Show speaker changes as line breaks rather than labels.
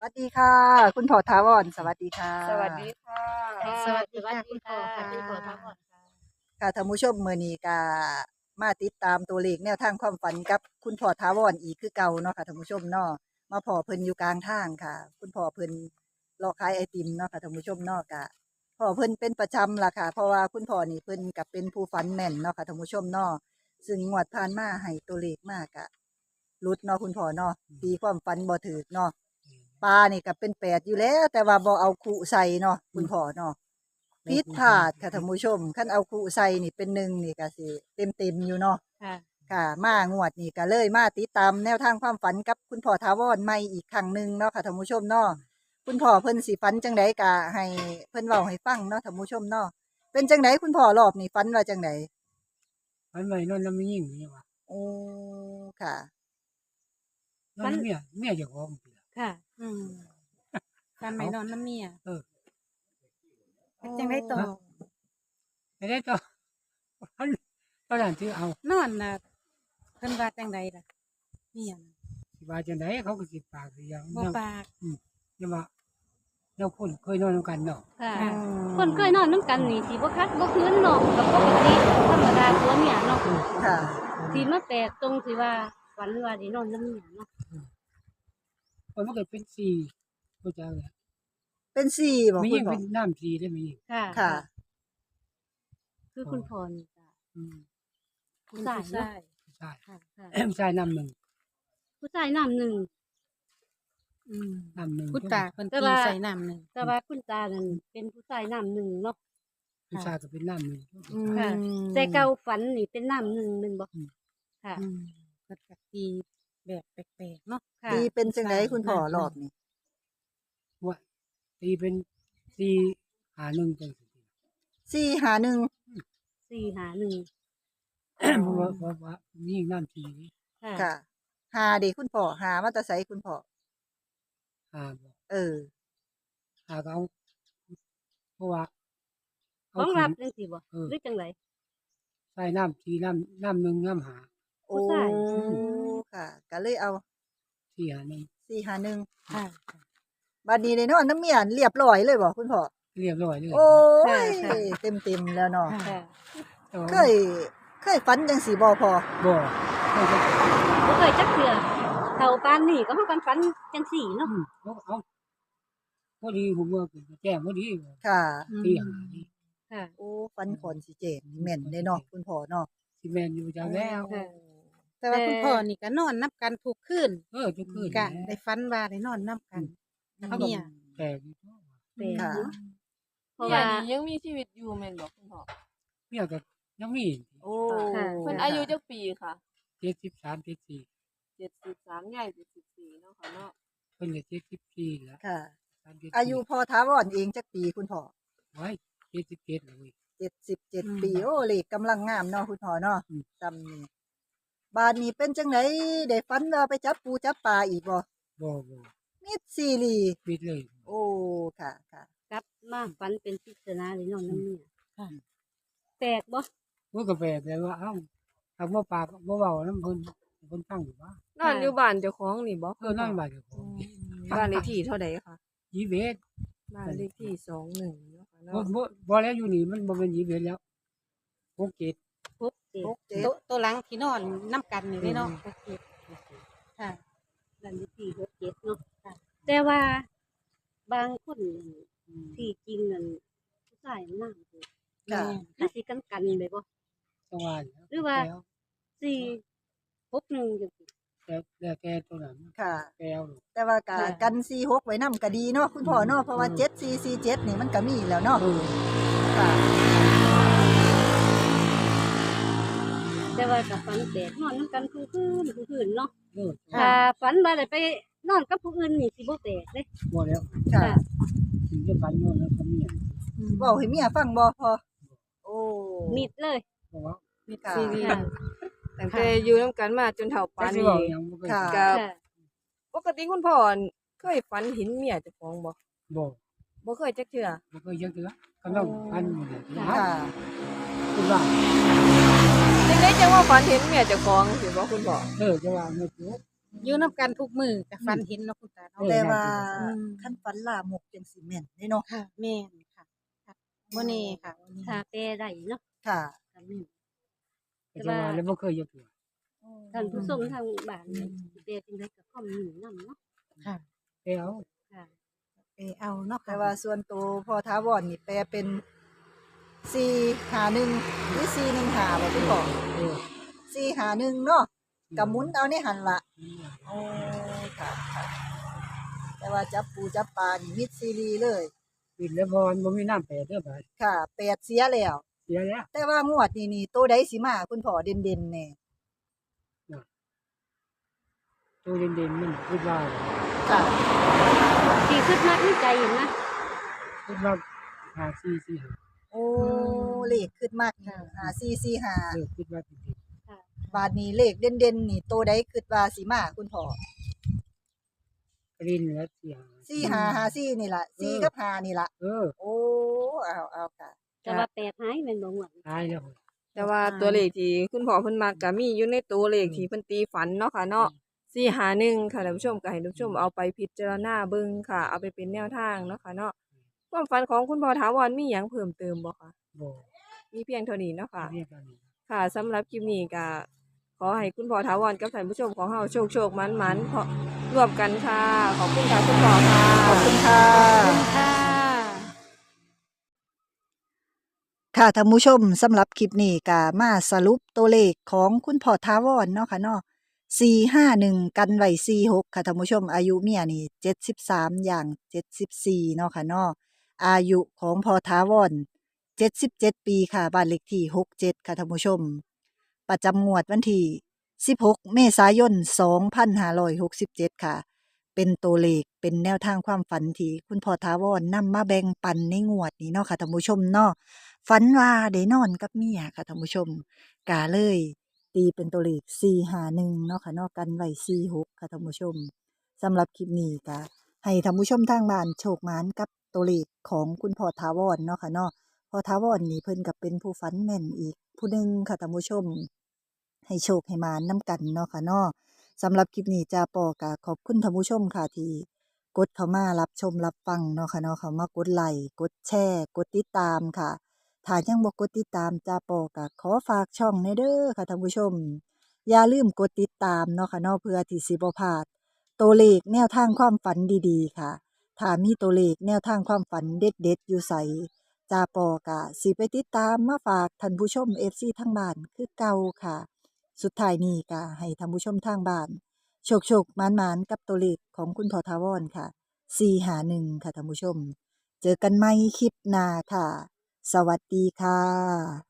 วัสดีค่ะคุณพ่อถาวรสวัสดีค่ะ
สวัสดีค่ะ
ค่ะ
สวัสดีค่ะ
สวัสดี
คุณพ่อ
ค่ะ
ค่ะคุณพ่อทั้งหมดค่ะ
ค่ะท่านผู้ชมมื้อนี้ก็มาติดตามตัวเลขแนวทางความฝันกับคุณพ่อถาวรอีกคือเก่าเนาะค่ะท่านผู้ชมเนาะมาพ่อเพิ่นอยู่กลางทางค่ะ คุณพ่อเพิ่นรอขายไอติมเนาะค่ะท่านผู้ชมเนาะก็พ่อเพิ่นเป็นประจำล่ะค่ะเพราะว่าคุณพ่อนี่เพิ่นก็เป็นผู้ฝันแม่นเนาะค่ะท่านผู้ชมเนาะซึ่งงวดผ่านมาให้ตัวเลขมากะหลุดเนาะคุณพ่อเนาะตีความฝันบ่ถูกเนาะปลานี่ก็เป็น8อยู่แล้ว แต่ว่าบ่เอาคุใส่เนาะคุณพ่อเนาะ ผิดพลาดค่ะท่านผู้ชมคันเอาคู่ใส่นี่เป็นหนึ่งนี่ก็สิเต็มๆอยู่เนาะ
ค่ะ
ค่ะมางวดนี่ก็เลยมาติดตามแนวทางความฝันกับคุณพ่อถาวรใหม่อีกครั้งหนึ่งเนาะค่ะท่านผู้ชมเนาะคุณพ่อเพิ่นสิฝันจังไดก็ให้เพิ่นเว้าให้ฟังเนาะท่านผู้ชมเนาะเป็นจังไดคุณพ่อรอบนี้ฝันว่าจังได
มันไม่นอนน้ำไม่ยิ่งนี่ว่า
โอ้ค่ะ
นอนน้ำเมียเจ้าของเปล่า
ค่ะ
อืมการไม่นอนน้ำเมีย
เออ
เป็นจังได้ต่อ
ไม่ได้ต่อตอนนั้นที่เอา
นอนน่ะเพิ่นว่าจังไดล่ะเมียน่ะ
สิว่าจังไดเขาก็สิปากสิอย่าง
บ่ปาก
ยังว่าเราคนเคยนอนด้วยกันเนาะ
ค่ะ
ค่ะ
คนเคยนอนน้ำกันนี่สิบ่คักบ่คืนเนาะกับปกติธรรมดาตัวเมียเนาะ
ค่ะ
สิมาแปลกตรงที่ว่าฝันว่าได้นอนน้ำเมียเนาะ
คนมันเกิดเป็นสี่ก็จะเลย
เป็นสี่บ่
ไม่
คุ
ยิ่
ณ
ง
พ่อ
เป็นน้ำสี่ได้ไม่ยิ่ง
ค่ะ
ค่ะ
คือคุณพ่อนี่จ้ะ
อืม
ผู้
เป็น
ชาย
ผู้
เนาะ
ชาย
ใช่
ค่ะ
ใช่น้ำหนึ่ง
ผู้ชายน้ำหนึ่ง
อืม
น้ำหนึ่ง
คุณตาเพิ่น
แต่
ตี
ว่า
ใส่น้ำหนึ่ง
แต่ว่าคุณตานั่นเป็นผู้ชายน้ำหนึ่งเนาะ
ผู้ชายก็เป็นน้ำหนึ่ง
ค่ะ แต่เก่าฝันนี่เป็นน้ำหนึ่งหนึ่งบ่ค่ะ
อืมเพิ่นก็ตีแบบแปลกๆเนาะ
ค่ะ
ตีเป็นจังไดคุณพ่อรอบนี้
ว่าตีเป็นสี่หาหนึ่งจังสิ
สี่หาหนึ่ง
451
เพราะว่ายิ่งน้ำสี่
ค่ะ
ค่ะหาเด็กคุณพ่อหามาแตะไสคุณพ่อ
หาบอก
เออ
หาเขาเพราะว่า
ของ
ขึ้น
รับจังซี่บ่
เออ
หรือจังได
ใส่น้ำสี่น้ำหนึ่งน้ำหา
โอ้
ผู้ชาย
ค่ะ ก็เลยเอา
สี่หาหนึ่ง
สี่หาหนึ่ง
ค่ะ
บัดนี้ได้นอนน้ำเมียนเรียบร้อยเลยบ่คุณพ่อ
เรียบร้อยเลย
โอ้ย
ค่ะ
เต็มแล้วเนาะ
ค่ะ
ค่ะ
แต่ว่า
เคยฝันจังสีบ่พอ
บ่ไม่ใช่
บ่เคยจักเทื่อเฒ่าปานนี้ก็เฮากันฝันจังซี่เนาะ
เอาพอดีผมว่าแจ้งพอดี
ค่ะ
สี่หานี่
ค่ะ
โอ้ฝันคนสิเจนนี่แม่นได้เนาะคุณพ่อเนาะ
ซีเมนอยู่จังแล้ว
ค่ะ
แต่ว่าคุณพ่อนี่ก็นอนนับกันทุกคืน
ทุกคืน
กะได้ฝันว่าได้นอนนับกันกับเมีย
แต่อยู่
แปลก
ค่ะ
เนาะเพราะ
เมีย
ว่า
นี่ยังมีชีวิตอยู่แม่นบอกคุณพ่อ
เมียก็ยังมี
โอ้
ค่ะ
เพิ่นอายุจักปีค่ะ
73 74
73ใหญ่74เนาะค่ะเนาะ
เพิ่นก็74แล้ว
ค่ะ
37
อายุพอถาวรเองจักปีคุณพ่อ
ไว้77เลย
77 ปีโอ้เลขกำลังงามเนาะคุณพ่อเนาะ
อืม
จำนี่บาดนี้เป็นจังไดได้ฝันว่าไปจับปูจับปลาอีกบ่
บ่
มิดซีรีส์
ปิดเลย
โอ้ค่ะค่ะ
กลับมาฝันเป็นปริศนาได้นอนน้ำเมีย
ค่ะ
แปลกบ่
มันก็แปลกแต่ว่าเอ้าถ้าบ่ปากบ่เว้านํเพิ่นฟังอยู่ว่าน
อนอยู่บ้านเจ้าของนี่บ่
นอนบ้านเจ้าของ
บ้านเลขที่เท่าใดคะ
21
บ้านเลขที่21เนาะค่ะ
บ่
เนาะ
บ่แล้วอยู่นี่มันบ่แม่น21แล้ว67
พบเจ
ตัวหลังที่นอนนับกันนี่เลยเนาะโอเคค่ะ
บ้านเลขที่67เนาะค่ะ แต่ว่าบางคนที่จริงนั่นผู้ชายนำคือ
ค่ะ
คือสิกันเลยบ่
จังหวะ
หรือว่า 461จังซี่
แล้วแกตัวนั้น
ค่ะ
แก้ว
แต่ว่ากะกัน46ไว้นำก็ดีเนาะคุณพ่อเนาะเพราะว่า7447นี่มันก็มีแล้วเนาะค่ะ
แต่ว่าก็ฝันแปลกนอนนำกันคือคืนเนาะ
เออ
ถ้าฝันว่าได้ไปนอนกับผู้อื่นนี่สิบ่แปลกเด้
บ่แล้ว
ค่ะ
ถึงจะปันโน่นแล้วก็มีอ่ะ
เว้าให้เมียฟังบ่พอโอ้
มิดเลย
เพราะว่า
ค่ะ
ชีวิต
ค่ะ
ตั้งแต่อยู่นํกันมาจนเฒ่าปาน
สิ
นี้
เว้าหยังบ่เคย
ค่ะ
กับ
ค่ะ
ปกติคุณพ่อเคยฝันเห็นเมียเจ้าของบ่
บ่
บ่เคยจักเทื่อ
บ่เคยยังเถือกํลังปันอยู่เนี่ย
ค่ะ
คุณว่า
จังได๋จังว่าฝันเห็นเมียเจ้าของสิบ่คุณพ่อ
จะว่าไม่ถูก
อยู่นํกันทุกมื้อก็ฝันเห็นเนาะคุณตาเนาะ
แต่ว่า
อืม
คันฝันลามกจังสิแม่นเด้เนาะ
ค่ะแม่นค่ะค่ะบ่แน่ค่ะบ่แน่
ถ้าแปลได้เนาะ
ค่ะ
ก็แม่น
ก็จะว่าแล้วบ่เคยยกตัว
ท่านผู้ชมทางบ้านเนี่ยสิแปลจังได๋ก็คอมเมนต์นำเนาะ
ค่ะ
ไปเอา
ค่ะ
เอาเนาะ
แต่
ค่ะ
ว่าส่วนตัวพ่อท้าวรนี่แปลเป็น451หรือ415บ่คุณพ่อ
เออ
451เนาะก็หมุนเอาในหันล่ะโอ้ค่ะค่ะแต่ว่าจับปูจับปลานี่มิดซีรีส์เลย
ปิดแล้วพอมันบ่มีน้ำแปดเด้อบาด
ค่ะแปดเสียแล้ว
เสียแล้ว
แต่ว่างวดนี่ตัวใดสิมาคุณพ่อเด่นๆแน่
ตัวเด่นๆมันคิดว่า
ค่ะ
ที่คิดมักในใจเห็นนะ
คิดว่า5445
โอ้เลขขึ้นมาก5445
คิดว่าเป็นเด่น
บาทนี้เลขเด่นๆนี่ตัวใดคิดว่าสิมาคุณพ่อก
รินแล้วเสีย
4554นี่ล่ะ4กับ5นี่ล่ะ
เออ
โอ้เอาค่ะ
แต่ว่าแปดหายแม่นบ่หวน
ตายแล้ว
แต่ว่าตัวเลขที่คุณพ่อเพิ่นมักก็มีอยู่ในตัวเลขที่เพิ่นตีฝันเนาะค่ะเนาะ451ค่ะท่านผู้ชมก็ให้ท่านผู้ชมเอาไปพิจารณาเบิ่งค่ะ เอาไปเป็นแนวทางเนาะค่ะเนาะความฝันของคุณพ่อถาวรมีหยังเพิ่มเติมบ่คะ
บ่
มีเพียงเท่านี้เนาะค่ะ
เรียกกันนี่
ค่ะสำหรับคลิปนี้ก็ขอให้คุณพ่อถาวรกับท่านผู้ชมของเฮาโชคๆมันๆเพราะร่วมกันค่ะ ขอบคุณค่ะคุณพ่อค่ะ
ขอบคุณค่ะ
ค่ะ
ค่ะท่านผู้ชมสำหรับคลิปนี้ก็มาสรุปตัวเลขของคุณพ่อท้าวรเนาะค่ะเนาะ451กันไว้46ค่ะท่านผู้ชมอายุเมียนี่73อย่าง74เนาะค่ะเนาะอายุของพ่อท้าวร77 ปีค่ะบ้านเลขที่67ค่ะท่านผู้ชม ประจำงวดวันที่16เมษายน2567ค่ะ เป็นตัวเลขเป็นแนวทางความฝันที่คุณพ่อท้าวรนำมาแบ่งปันในงวดนี้เนาะค่ะท่านผู้ชมเนาะฝันว่าได้นอนกับเมียค่ะท่านผู้ชมกาเลยตีเป็นตัวเลข451เนาะค่ะเนาะกันไว้46ค่ะท่านผู้ชมสำหรับคลิปนี้ก็ให้ท่านผู้ชมทางบ้านโชคหมานกับตัวเลขของคุณพ่อท้าวรเนาะค่ะเนาะพ่อท้าวรนี่เพิ่นก็เป็นผู้ฝันแม่นอีกผู้หนึงค่ะท่านผู้ชม ให้โชคให้หมานนำกันเนาะค่ะเนาะสำหรับคลิปนี้จาปอก็ขอบคุณท่านผู้ชมค่ะที่กดเข้ามารับชมรับฟังเนาะค่ะเนาะเขามากดไลค์กดแชร์กดติดตามค่ะถ้ายังบ่กดติดตามจาปอก็ขอฝากช่องในเด้อค่ะท่านผู้ชม อย่าลืมกดติดตามเนาะค่ะเนาะเพื่อที่สิบ่พลาดตัวเลขแนวทางความฝันดีๆค่ะถ้ามีตัวเลขแนวทางความฝันเด็ดๆอยู่ไสจาปอกะสิไปติดตามมาฝากท่านผู้ชม FC ทั้งบ้านคือเก่าค่ะ สุดท้ายนี้ก็ให้ท่านผู้ชมทางบ้านโชคๆหมานๆกับตัวเลขของคุณพ่อทาวรค่ะ451ค่ะท่านผู้ชม เจอกันใหม่คลิปหน้าค่ะ สวัสดีค่ะ